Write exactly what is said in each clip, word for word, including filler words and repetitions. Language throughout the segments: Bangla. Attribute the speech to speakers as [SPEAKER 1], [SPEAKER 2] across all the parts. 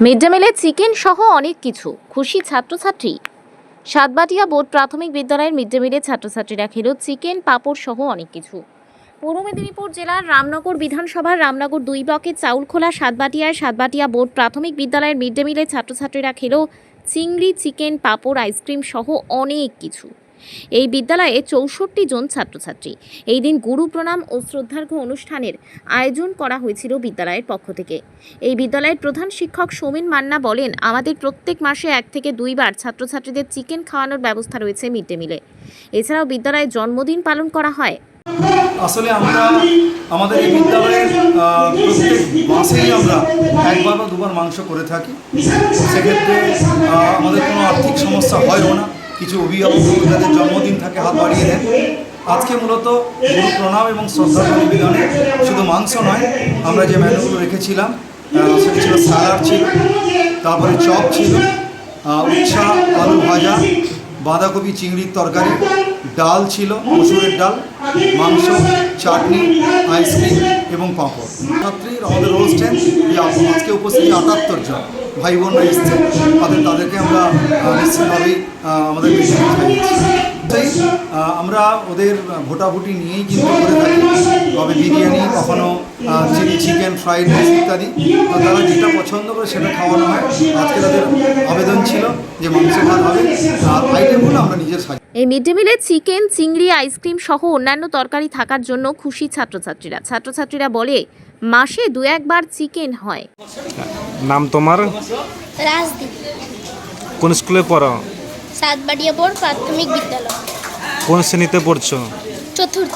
[SPEAKER 1] মিড ডে মিলে চিকেন সহ অনেক কিছু, খুশি ছাত্রছাত্রী। সাতবাটিয়া বোর্ড প্রাথমিক বিদ্যালয়ের মিড ডে মিলে ছাত্রছাত্রীরা খেল চিকেন, পাঁপড় সহ অনেক কিছু। পূর্ব মেদিনীপুর জেলার রামনগর বিধানসভার রামনগর দুই ব্লকের চাউলখোলা সাতবাটিয়ায় সাতবাটিয়া বোর্ড প্রাথমিক বিদ্যালয়ের মিড ডে মিলে ছাত্রছাত্রীরা খেল চিংড়ি, চিকেন, পাঁপড়, আইসক্রিম সহ অনেক কিছু। এই বিদ্যালয়ে চৌষট্টি জন ছাত্রছাত্রী। এই দিন গুরু প্রণাম ও শ্রদ্ধার্ঘ্য অনুষ্ঠানের আয়োজন করা হয়েছিল বিদ্যালয়ের পক্ষ থেকে। এই বিদ্যালয়ের প্রধান শিক্ষক সৌমেন মান্না বলেন, আমাদের প্রত্যেক মাসে এক থেকে দুইবার ছাত্রছাত্রীদের চিকেন খাওয়ানোর ব্যবস্থা রয়েছে মিড ডে মিলে। এছাড়াও বিদ্যালয়ে জন্মদিন পালন করা হয়।
[SPEAKER 2] আসলে আমরা আমাদের এই বিদ্যালয়ের প্রত্যেক মাসেই আমরা একবার বা দুবার মাংস করে থাকি। সেক্ষেত্রে আমাদের কোনো আর্থিক সমস্যা হয়ও না। কিছু অভিভাবক যাদের জন্মদিন থাকে হাত বাড়িয়ে দেন। আজকে মূলত গুরু প্রণাম এবং শ্রদ্ধা নিবেদনে শুধু মাংস নয়, আমরা যে মেনুগুলো রেখেছিলাম সেটা ছিল স্যালাড ছিল, তারপরে চপ ছিল, উচ্ছা আলু ভাজা, বাঁধাকপি চিংড়ির তরকারি, ডাল ছিল মসুরের ডাল, মাংস, চাটনি, আইসক্রিম এবং পাঁপড়। ছাত্রীর আমাদের রোল স্ট্রেন্থ আজকে উপস্থিত আটাত্তর জন ভাই বোনরা এসছে, তাদের তাদেরকে আমরা নিশ্চিতভাবেই আমাদের বেশি খাইয়েছি। তাই আমরা ওদের ভোটাভুটি নিয়েই কিন্তু করে থাকি। তবে বিরিয়ানি, কখনো চিলি চিকেন, ফ্রাইড রাইস ইত্যাদি তারা যেটা পছন্দ করে সেটা খাওয়ানো হয়। আজকে তাদের আবেদন ছিল যে মাংস ভাত হবে, আর আইটেমগুলো আমরা নিজের সাজি।
[SPEAKER 1] এই মিড ডে মিলে চিকেন, চিংড়ি, আইসক্রিম সহ অন্যান্য তরকারি থাকার জন্য খুশি ছাত্রছাত্রীরা। ছাত্রছাত্রীরা বলে, মাসে দু একবার চিকেন হয়।
[SPEAKER 3] নাম তোমার?
[SPEAKER 4] রাজদীপ।
[SPEAKER 3] কোন স্কুলে পড়ো?
[SPEAKER 4] সাতবাটিয়া বোর্ড প্রাথমিক বিদ্যালয়।
[SPEAKER 3] কোন শ্রেণীতে পড়ছো?
[SPEAKER 4] চতুর্থ।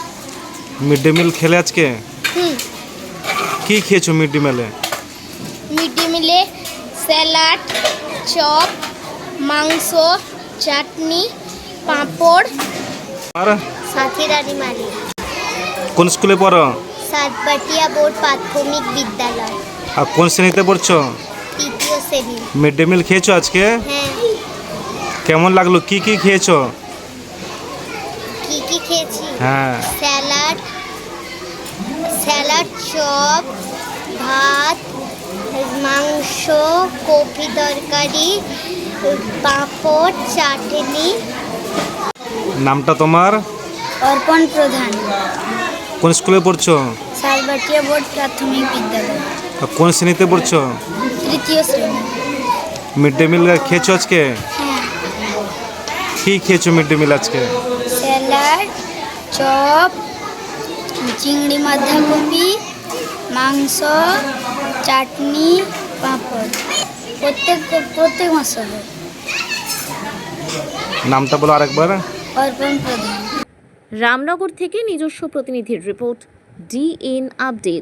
[SPEAKER 3] মিড ডে মিল খেলে আজকে?
[SPEAKER 4] হুম।
[SPEAKER 3] কি খেয়েছো মিড ডে মিলে?
[SPEAKER 4] মিড ডে মিলে স্যালাড, চপ, মাংস, চাটনি, পাঁপড়।
[SPEAKER 3] আর
[SPEAKER 4] সাথী রানী মালিক।
[SPEAKER 3] কোন স্কুলে পড়ো?
[SPEAKER 4] সাতবাটিয়া বোর্ড প্রাথমিক বিদ্যালয়।
[SPEAKER 3] আর কোন শ্রেণীতে পড়ছো?
[SPEAKER 4] তৃতীয় শ্রেণী।
[SPEAKER 3] মিড ডে মিল খেয়েছো আজকে?
[SPEAKER 4] হ্যাঁ।
[SPEAKER 3] কেমন লাগলো? কি কি খেয়েছো?
[SPEAKER 4] কি কি খেয়েছি?
[SPEAKER 3] হ্যাঁ।
[SPEAKER 4] স্যালাড, স্যালাড, চপ, ভাত, মাংস, কপি তরকারি, পাঁপড়, চাটনি।
[SPEAKER 3] নামটা তোমার?
[SPEAKER 4] অর্পণ প্রধান।
[SPEAKER 3] কোন স্কুলে পড়ছো?
[SPEAKER 4] সাতবাটিয়া বোর্ড প্রাথমিক বিদ্যালয়।
[SPEAKER 3] আর কোন শ্রেণীতে পড়ছো?
[SPEAKER 4] তৃতীয় শ্রেণী।
[SPEAKER 3] মিড ডে মিল খেয়েছো আজকে?
[SPEAKER 4] হ্যাঁ।
[SPEAKER 3] কি খেয়েছো মিড ডে মিল আজকে?
[SPEAKER 4] স্যালাড, চপ, চিংড়ি, বাঁধাকপি, মাংস, চাটনি, পাঁপড়। প্রত্যেক প্রত্যেক মাসে।
[SPEAKER 3] নামটা বলো আরেকবার।
[SPEAKER 4] অর্পণ প্রধান।
[SPEAKER 1] রামনগর থেকে নিজস্ব প্রতিনিধির রিপোর্ট, ডি এন আপডেট।